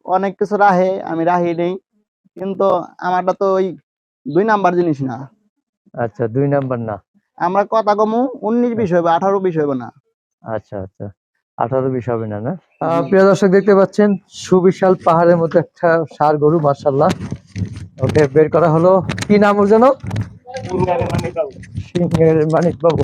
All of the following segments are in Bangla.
অনেক কিছু রাহে, আমি রাহি নেই, কিন্তু আমারটা তো ওই 2 নাম্বার জিনিস না। আচ্ছা, 2 নাম্বার না। আমরা কথা কমু 19-20 হইবে, 18-20 হইবে না। আচ্ছা আচ্ছা, 18-20 হবে না, না? জি। প্রিয় দর্শক দেখতে পাচ্ছেন সুবিশাল পাহাড়ের মতো একটা ষাঁড় গরু, মাশাআল্লাহ। ওকে বের করা হলো। কি নাম ওর যেন? সিংহের মানিক বাবু।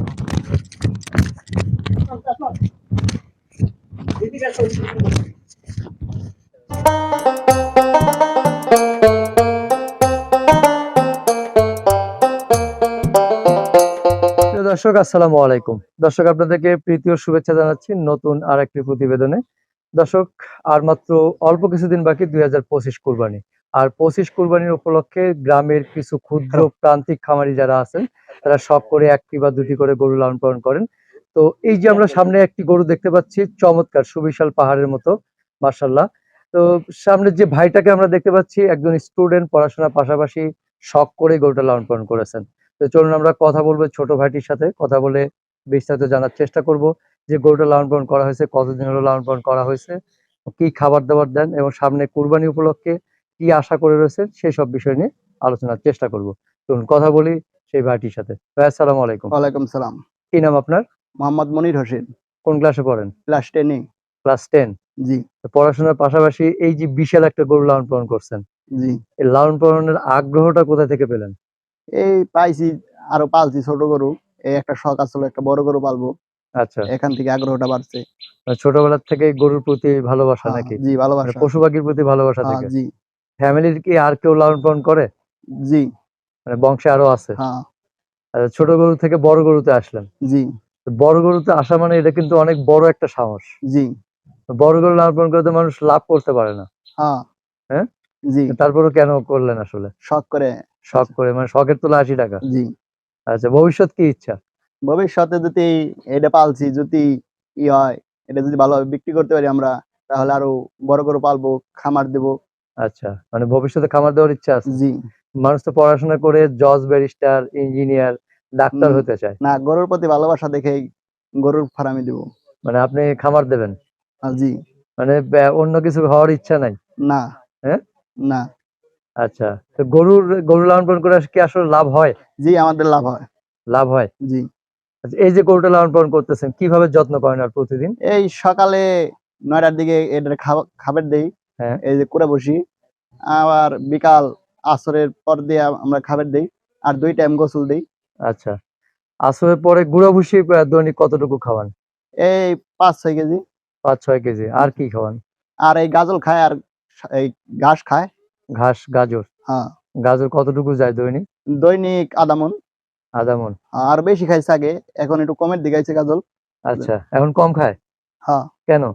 প্রিয় দর্শক আসসালামু আলাইকুম। দর্শক আপনাদেরকে প্রীতি ও শুভেচ্ছা জানাচ্ছি নতুন আর একটি প্রতিবেদনে। দর্শক আর মাত্র অল্প কিছুদিন বাকি 2025 কুরবানি। আর 25 কুরবানির উপলক্ষে গ্রামের কিছু ক্ষুদ্র প্রান্তিক খামারি যারা আছেন তারা শখ করে একটি বা দুটি করে গরু লালন পালন করেন। তো এই যে আমরা সামনে একটি গরু দেখতে পাচ্ছি, চমৎকার সুবিশাল পাহাড়ের মতো, মাশাআল্লাহ। তো সামনে যে ভাইটাকে আমরা দেখতে পাচ্ছি একজন স্টুডেন্ট, পড়াশোনার পাশাপাশি শখ করে গরুটা লালন পালন করেছেন। তো চলুন আমরা কথা বলবো ছোট ভাইটির সাথে, কথা বলে বিস্তারিত জানার চেষ্টা করব যে গরুটা লালন পালন করা হয়েছে, কতদিন হলো লালন পালন করা হয়েছে, কি খাবার দাবার দেন এবং সামনে কুরবানি উপলক্ষে কি আশা করে রয়েছেন সেই সব বিষয় নিয়ে আলোচনার চেষ্টা করব। চলুন কথা বলি সেই ভাইটির সাথে। ভাই আসসালামু আলাইকুম। ওয়ালাইকুম সালাম। কি নাম আপনার? মোহাম্মদ মনির হোসেন। কোন ক্লাসে পড়েন? ক্লাস 10 এ। ক্লাস 10। জি। পড়াশোনার পাশাপাশি এই যে বিশাল একটা গরু লালন পালন করছেন, জি। এই লালন পালনের আগ্রহটা কোথা থেকে পেলেন? এই পাইছি, আরো পালছি ছোট গরু। এই একটা শখ আসলে একটা বড় গরু পালবো। আচ্ছা, এখান থেকে আগ্রহটা বাড়ছে। ছোটবেলা থেকে গরুর প্রতি ভালোবাসা হ্যাঁ, নাকি? জি মানে ভালোবাসা। পশু পাখির প্রতি ভালোবাসা হ্যাঁ, থেকে। জি। ফ্যামিলির কি আর কেউ লালন পালন করে? জি। মানে বংশে আরো আছে? হ্যাঁ, আচ্ছা, ছোট গরু থেকে বড় গরুতে আসলেন। জি। তো বড় গরুতে আসা মানে এটা কিন্তু অনেক বড় একটা সাহস। জি। তো বড় গরু লালন পালন করে তো মানুষ লাভ করতে পারে না, হ্যাঁ, হ্যাঁ? জি। তারপরেও কেন করলেন আসলে? শখ করে। শখ করে, মানে শখের তোলা ৮০ টাকা। জি। আচ্ছা, ভবিষ্যৎ কি ইচ্ছা? ভবিষ্যতে যদি এটা পালছি, যদি হয়, এটা যদি ভালোভাবে বিক্রি করতে পারি আমরা, তাহলে আরো বড় গরু পালবো, খামার দেবো। আচ্ছা, মানে ভবিষ্যতে খামার দেওয়ার ইচ্ছা আছে। জি। মানুষ তো পড়াশোনা করে জজ, ব্যারিস্টার, ইঞ্জিনিয়ার, ডাক্তার উম, হতে চায়। না, গরুর প্রতি ভালোবাসা দেখেই গরুর ফার্মে দেবো। মানে আপনি খামার দেবেন, জি। মানে অন্য কিছু হওয়ার ইচ্ছা নাই, না। হ্যাঁ? না। আচ্ছা, তো গরু লালন পালন করে কি আসলে লাভ হয়? জি, আমাদের লাভ হয়। লাভ হয়। জি। আচ্ছা, এই যে গরুটা লালন পালন করতেছেন কিভাবে যত্ন করেন আর প্রতিদিন? এই সকালে 9টার দিকে এদের খাবার দেই, হ্যাঁ। এই যে কুড়া বসি। আবার বিকাল আসরের পর দিয়ে আমরা খাবার দেই, আর 2 টাইম গোসল দেই। আচ্ছা, আসরের পরে গুঁড়া ভুসি দৈনিক কতটুকু খাওয়ান? এই 5-6 কেজি। ৫-৬ কেজি। আর কি খাওয়ান? আর এই গাজল খায়, আর এই ঘাস খায়। ঘাস, গাজর। হ্যাঁ, গাজর কতটুকু যায় দৈনিক? দৈনিক আধা মণ। আধা মণ। আর বেশি খাইছে আগে, এখন একটু কমের দিকে আইছে গাজল। আচ্ছা, এখন কম খায়? হ্যাঁ, কেন?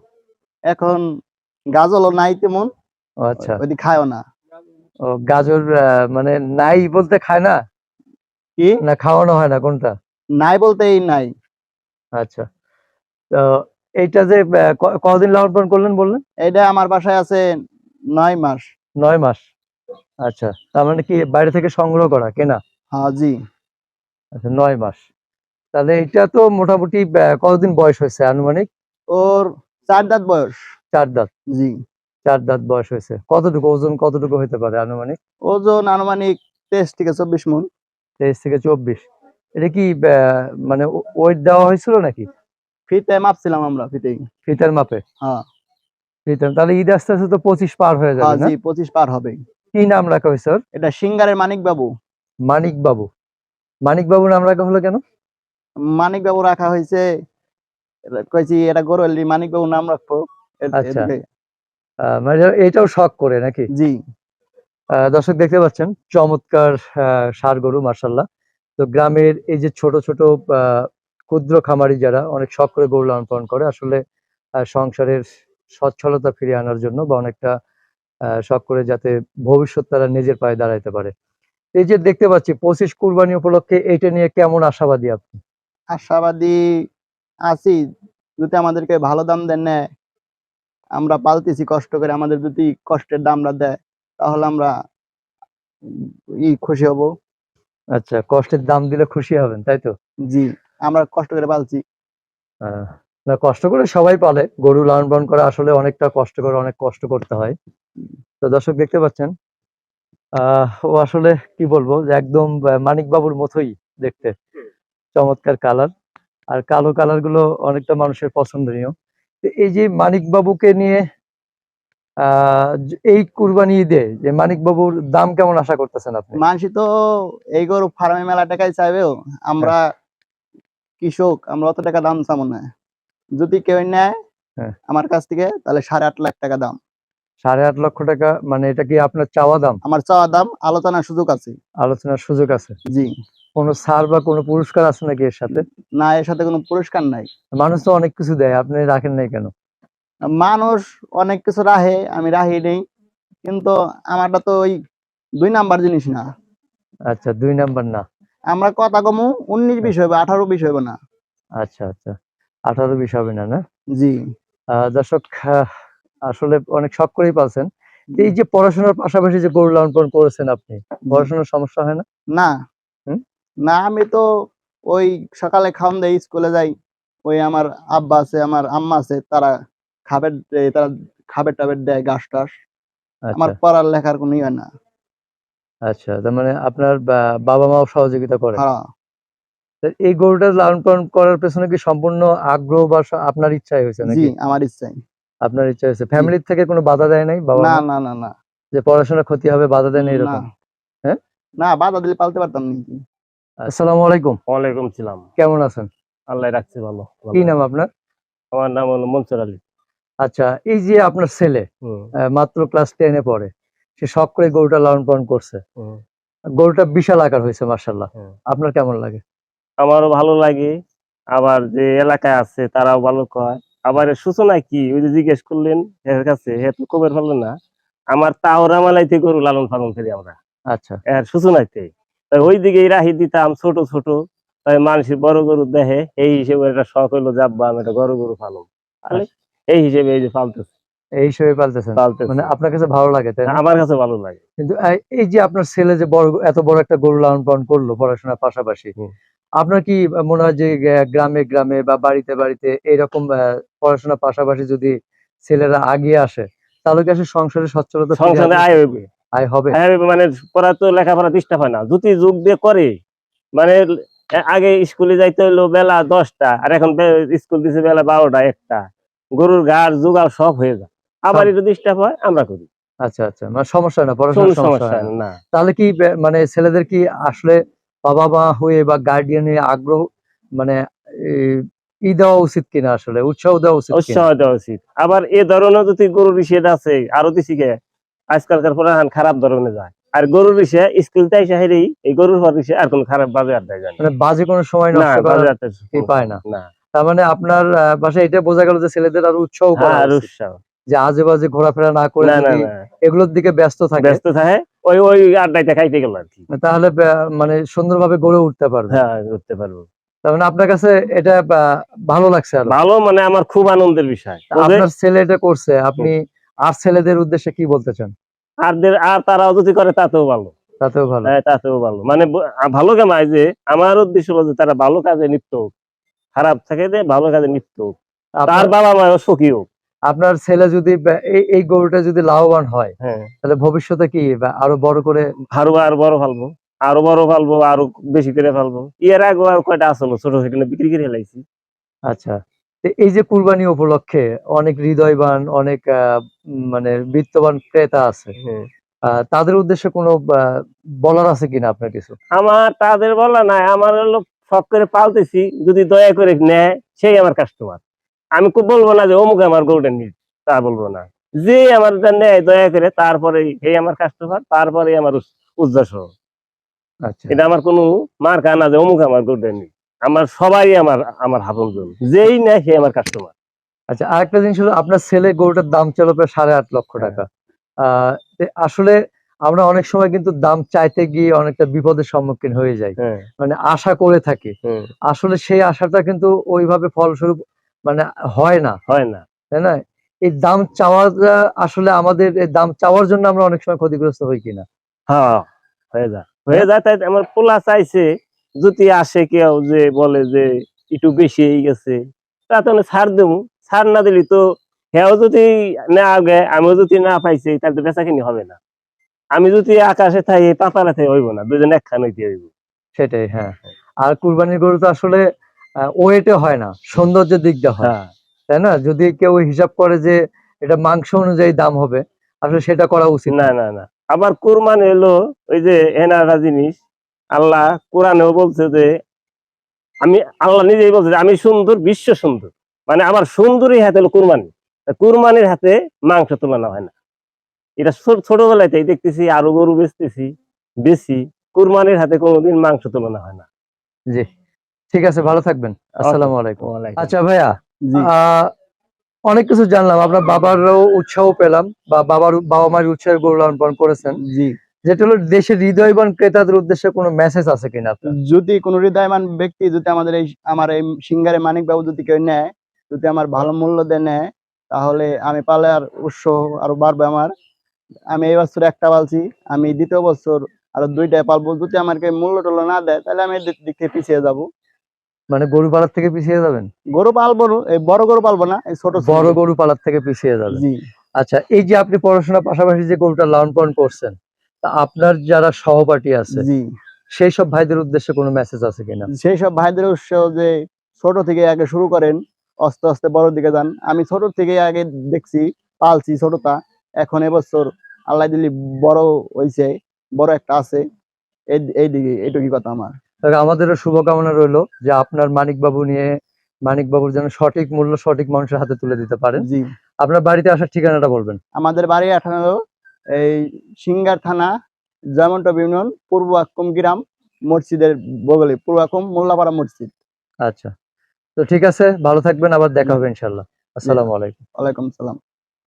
এখন গাজলও নাই তেমন, ও আচ্ছা। ওইদিকে খায়ও না। ও গাজর মানে নাই বলতে খায় না, কি? না খাওয়ানো হয় না, কোনটা? নাই বলতে এই নাই। আচ্ছা, তো এইটা যে কতদিন লালন পালন করলেন বললেন? এইটা আমার বাসায় আছে 9 মাস। ৯ মাস। আচ্ছা, তার মানে কি বাইরে থেকে সংগ্রহ করা, কেনা? হ্যাঁ, জি। আচ্ছা, ৯ মাস। তাহলে এটা তো মোটামুটি কতদিন বয়স হয়েছে আনুমানিক? ওর 4 দাঁত বয়স। ৪ দাঁত। জি। ৪ দাঁত বয়স হয়েছে। কতটুকু ওজন, কতটুকু হইতে পারে আনুমানিক? ওজন আনুমানিক 23 থেকে 24 মণ। ২৩ থেকে ২৪। এটা কি মানে ওয়েট দেওয়া হয়েছিল নাকি? ফিতে মাপছিলাম আমরা, ফিতেই। ফিতার মাপে? হ্যাঁ। ফিতার, তাহলে ঈদ আস্তে আস্তে তো ২৫ পার হয়ে হ্যাঁ, যাবে, না? জি, 25 পার হবে। কি নাম রাখা হয়েছে ওর? এটা সিঙ্গারের মানিক বাবু। মানিক বাবু। মানিক বাবু নাম রাখা হলো কেন? মানিক বাবু রাখা হয়েছে, কইছি এটা গরু হলে মানিক বাবু নাম রাখবো। আচ্ছা, এদিকে। মানে এটাও শখ করে নাকি? জি। দর্শক দেখতে পাচ্ছেন চমৎকার ষাঁড় গরু, মার্শাল্লাহ। তো গ্রামের এই যে ছোট ছোট ক্ষুদ্র খামারি যারা অনেক শখ করে গরু লালন পালন করে, আসলে সংসারের সচ্ছলতা ফিরিয়ে আনার জন্য বা অনেকটা শখ করে যাতে ভবিষ্যৎ তারা নিজের পায়ে দাঁড়াইতে পারে। এই যে দেখতে পাচ্ছি 25 কুরবানি উপলক্ষে এটা নিয়ে কেমন আশাবাদী আপনি? আশাবাদী আছি, যদি আমাদেরকে ভালো দাম দেন না, আমরা পালতেছি কষ্ট করে, আমাদের যদি কষ্টের দামটা দেয়, তাহলে আমরা খুশি হব। আচ্ছা, কষ্টের দাম দিলে খুশি হবেন, তাই তো? জি, আমরা কষ্ট করে পালছি। আহ, না, কষ্ট করে সবাই পালে, গরু লালন পালন করা আসলে অনেকটা কষ্ট করে, অনেক কষ্ট করতে হয়। তো দর্শক দেখতে পাচ্ছেন, ও আসলে কি বলবো, যে একদম মানিক বাবুর মতোই দেখতে, চমৎকার কালার। আর কালো কালার গুলো অনেকটা মানুষের পছন্দনীয়। তো এই যে মানিক বাবুকে নিয়ে এই কুরবানি ঈদে যে মানিক বাবুর দাম কেমন আশা করতেছেন আপনি? মানুষই তো এই গরু ফার্মে মেলা টাকায় চাইবেও, আমরা কৃষক, আমরা অত টাকা দাম চাবো না। যদি কেউ নেয় হ্যাঁ। আমার কাছ থেকে, তাহলে 8.5 লাখ টাকা দাম। 8.5 লক্ষ টাকা মানে এটা কি আপনার চাওয়া দাম? আমার চাওয়া দাম, আলোচনার সুযোগ আছে। আলোচনার সুযোগ আছে? জি। কোনো ছাড় বা কোনো পুরস্কার আছে নাকি এর সাথে? না, এর সাথে কোনো পুরস্কার নাই। মানুষ তো অনেক কিছু দেয়, আপনি রাখেন নাই কেন? মানুষ অনেক কিছু রাহে, আমি রাহি নেই, কিন্তু আমারটা তো ওই 2 নাম্বার জিনিস না। আচ্ছা, 2 নাম্বার না। আমরা কথা কমু 19-20 হইবে, 18-20 হইবে না। আচ্ছা আচ্ছা, 18-20 হবে না, না? জি। দর্শক, আসলে অনেক শখ করেই পালছেন। এই যে পড়াশোনার পাশাপাশি যে গরু লালন পালন করেছেন আপনি, পড়াশোনার সমস্যা হয় না? না হুম? না, আমি তো ওই সকালে খাওন দেই, স্কুলে যাই। ওই আমার আব্বা আছে, আমার আম্মা আছে, তারা খাবার দেয়, তারা খাবার টাবার দেয়, ঘাস টাস। আমার আচ্ছা পড়ার লেখার কোনো ইয়ে না। আচ্ছা, তার মানে আপনার বাবা মাও সহযোগিতা করে? হ্যাঁ। তো এই গরুটা লালন পালন করার পেছনে কি সম্পূর্ণ আগ্রহ বা আপনার ইচ্ছাই হয়েছে জি, নাকি? আমার ইচ্ছাই। আপনার ইচ্ছা হয়েছে? জি। ফ্যামিলির থেকে কোনো বাধা দেয় নাই বাবা না মা? না না না। যে পড়াশোনা ক্ষতি হবে, বাধা দেয় না না এরকম? হ্যাঁ? না, বাধা দিলে পালতে পারতাম নাকি? আসসালামু আলাইকুম। ওয়ালাইকুম সালাম। কেমন আছেন? আল্লাহ রাখছে ভালো। কি নাম আপনার? আমার নাম হলো মনসুর আলী। আচ্ছা, এই যে আপনার ছেলে হুম, মাত্র ক্লাস 10 এ পড়ে, সে শখ করে গরুটা লালন পালন করছে, হুম, গরুটা বিশাল আকার হয়েছে মাশাআল্লাহ। হুম। আপনার কেমন লাগে? আমারও ভালো লাগে। আবার যে এলাকায় আছে তারাও ভালো কয়। আবার এর সূচনা কি? ওই যে জিজ্ঞেস করলেন এর কাছে, হে তো কবের ফেললো না। আমার তাওরা মালাইতে গরু লালন পালন করি আমরা। আচ্ছা এর সূচনাতে। তাই ওই দিকেই রাহি দিতাম ছোট ছোট। তাই মানুষের বড় গরু দেখে, এই হিসেবে একটা শখ হইলো যে আব্বা আমি একটা গরু পালন। তাহলে এই হিসেবে এই যে পালতেছি। এই হিসেবে পালতেছেন, মানে আপনার কাছে ভালো লাগে তাই না? আমার কাছে ভালো লাগে। কিন্তু এই যে আপনার ছেলে যে এত বড় একটা গরু লালন পালন করলো পড়াশোনার পাশাপাশি, হুম। আপনার কি মনে হয় যে গ্রামে গ্রামে বা বাড়িতে বাড়িতে এরকম পড়াশোনার পাশাপাশি যদি ছেলেরা আগিয়ে আসে, তাহলে কি আসলে সংসারে সচ্ছলতা ফিরে সংসারে আসবে? আয় হইবে। আয় হবে? আয় হইবে মানে পড়া তো লেখাপড়া ডিস্টার্ব হয় না। যদি যোগ দিয়ে করে মানে আগে স্কুলে যাইতে হইলো বেলা 10টা, আর এখন স্কুল দিছে বেলা 12টা 1টা। গরুর ঘাড় জোগাড় সব হয়ে যায়। আবার সব। একটু ডিস্টার্ব হয়, আমরা করি। আচ্ছা আচ্ছা, মানে সমস্যা হয় না, কোন পড়াশোনার সমস্যা সমস্যা হয় না। না। তাহলে কি মানে ছেলেদের কি আসলে বাবা মা হয়ে বা গার্ডিয়ানের আগ্রহ, মানে দেওয়া উচিত কিনা, আসলে উৎসাহ দেওয়া উচিত কিনা? উৎসাহ দেওয়া উচিত। আবার এ ধরনের যদি গরুর ইসেদ আছে আরো দিছি গে, আজকালকার পড়াহান খারাপ ধরনের যায়। আর গরুর ইসে স্কুলতে এসে হেরেই এই গরুর পর ইসে আর কোন খারাপ বাজে আর দেয় না। মানে বাজে কোনো সময় না, নষ্ট করার বাজে আর কি পায় না। না। তার মানে আপনার বাসায় এটা বোঝা গেল যে ছেলেদের আরো উৎসাহ হ্যাঁ, করা আর উচিত, উৎসাহ। যে আজে বাজে ঘোরাফেরা না করে না, না, যদি না। এগুলোর দিকে ব্যস্ত থাকে, ব্যস্ত থাকে ওই আড্ডাইতে খাইতে গেল আর কি। তাহলে মানে সুন্দরভাবে গড়ে উঠতে পারবে। হ্যাঁ, করতে পারবো। তার মানে আপনার কাছে এটা ভালো লাগছে আরো? ভালো মানে আমার খুব আনন্দের বিষয়। আপনার ছেলে এটা করছে, আপনি আর ছেলেদের উদ্দেশ্যে কি বলতে চান? আর তারাও যদি করে তাতেও ভালো। তাতেও ভালো। হ্যাঁ, তাতেও ভালো। মানে ভালো কামাই যে আমার উদ্দেশ্য হলো যে তারা ভালো কাজে লিপ্ত হোক। খারাপ থেকে যে ভালো কাজে লিপ্ত হোক। তার আপনার বাবা মাও সুখী হোক। আপনার ছেলে যদি এই গরুটা যদি লাভবান হয়, হ্যাঁ, তাহলে ভবিষ্যতে কি আরো বড় করে? আরো বড় ফালবো। আরো বড় ফালবো, আরো বেশি করে ফালবো। এর আগে আর কয়টা আসলো ছোট সেখানে বিক্রি করে ফেলাইছি। আচ্ছা, তো এই যে কুরবানি উপলক্ষে অনেক হৃদয়বান, অনেক মানে বিত্তবান ক্রেতা আছে, হ্যাঁ। তাদের উদ্দেশ্যে কোনো বলার আছে কিনা আপনার কিছু? আমার তাদের বলা নাই, আমার হলো শখ করে পালতেছি, যদি দয়া করে নেয় সেই আমার কাস্টমার। আমি খুব বলবো না যে অমুক আমার গোল্ডেন নিড, তা বলবো না। যে আমার নেয় দয়া করে তারপরে এই আমার কাস্টমার, তারপরে আমার উদ্দেশ্য। আচ্ছা এটা আমার কোনো মার্কা না যে অমুক আমার গোল্ডেন নিড। আমার সবাই আমার আপনজন, যেই নেয় সে আমার কাস্টমার। আচ্ছা, আরেকটা জিনিস হলো, আপনার ছেলে গরুটার দাম ছিল প্রায় 8.5 লক্ষ টাকা। আসলে আমরা অনেক সময় কিন্তু দাম চাইতে গিয়ে অনেকটা বিপদের সম্মুখীন হয়ে যাই, হ্যাঁ, মানে আশা করে থাকি। হুম, আসলে সেই আশাটা কিন্তু ওইভাবে ফলস্বরূপ মানে হয় না, হয় না। তাই না? এই দাম চাওয়াটা আসলে আমাদের, এই দাম চাওয়ার জন্য আমরা অনেক সময় ক্ষতিগ্রস্ত হই কিনা? হ্যাঁ, হয়ে যায় হ্যাঁ? তাই আমার পোলা চাইছে, যদি আসে কেউ যে বলে যে একটু বেশি হয়ে গেছে, তো ছাড় দেবো, ছাড় না দিলি তো হেও যদি না আগে আমিও যদি না পাইছি তাহলে তো বেচা কিনি হবে না। আমি যদি আকাশে থাই পাতালে থাই হইব না, দুজন একখান হইতে হইব। সেটাই, হ্যাঁ। আর কুরবানির গরু তো আসলে ওয়েটে হয় না, সৌন্দর্যের দিক দিয়ে হয়, হ্যাঁ তাই না? যদি কেউ হিসাব করে যে এটা মাংস অনুযায়ী দাম হবে, আসলে সেটা করা উচিত না না। না না, আবার কুরবানি হলো ওই যে এনারা জিনিস, আল্লাহ কোরআনেও বলছে যে আল্লাহ নিজেই বলছে যে আমি সুন্দর, বিশ্ব সুন্দর, মানে আমার সুন্দরী হাতে হলো কুরবানি। কুরবানির হাতে মাংস তুলনা হয় না। এটা ছোটবেলাতেই দেখতেছি, আরো গরু বেচতেছি বেশি, কুরবানির হাতে কোনোদিন মাংস তুলনা হয় না। জি, ঠিক আছে, ভালো থাকবেন। আসসালামু আলাইকুম। ওয়ালাইকুম। আচ্ছা ভাইয়া, জি অনেক কিছু জানলাম, আপনার বাবারও উৎসাহ পেলাম, বা বাবা মায়ের উৎসাহে গরু লালন পালন করেছেন, জি যেটা হলো দেশের হৃদয়বান ক্রেতাদের উদ্দেশ্যে কোনো মেসেজ আছে কিনা আপনার? যদি কোনো হৃদয়বান ব্যক্তি যদি আমার এই সিঙ্গারে মানিক বাবু যদি কেউ নেয়, যদি আমার ভালো মূল্য দিয়ে নেয়, তাহলে আমি পালে আর উৎসাহ আরো বাড়বে আমার। আমি এই বছর একটা পালছি, আমি দ্বিতীয় বছর আরো 2টা পালবো। যদি আমাকে মূল্য টুল্য না দেয় তাহলে আমি এদিক দিক থেকে পিছিয়ে যাব। মানে গরু পালার থেকে পিছিয়ে যাবেন? গরু পালবো না, এই বড় গরু পালবো না, এই ছোট ছোট বড় গরু পালার থেকে পিছিয়ে যাবেন। জি আচ্ছা, এই যে আপনি পড়াশোনার পাশাপাশি যে গরুটা লালন পালন করছেন, তা আপনার যারা সহপাঠী আছে জি সেই সব ভাইদের উদ্দেশ্যে কোনো মেসেজ আছে কিনা? সেই সব ভাইদের উৎসাহ যে ছোট থেকে আগে শুরু করেন, আস্তে আস্তে বড় দিকে যান। আমি ছোট থেকে আগে দেখছি, পালছি ছোটটা, এখন এবছর আল্লাহ দিলি বড় হইছে, বড় একটা আছে। এই দিকে এইটুকুই কথা আমার। তবে আমাদেরও শুভকামনা রইলো যে আপনার মানিক বাবুর যেন সঠিক মূল্য সঠিক মানুষের হাতে তুলে দিতে পারেন। জি আপনার বাড়িতে আসার ঠিকানাটা বলবেন। আমাদের বাড়ি 18 এই সিঙ্গার থানা, জামনটপ ইউনিয়ন, পূর্ব আক্কুম গ্রাম, মসজিদের বগলে, পূর্ব আক্কুম মোল্লাপাড়া মসজিদ। আচ্ছা, তো ঠিক আছে, ভালো থাকবেন, আবার দেখা হবে ইনশাল্লাহ। আসসালামু আলাইকুম। ওয়ালাইকুম সালাম।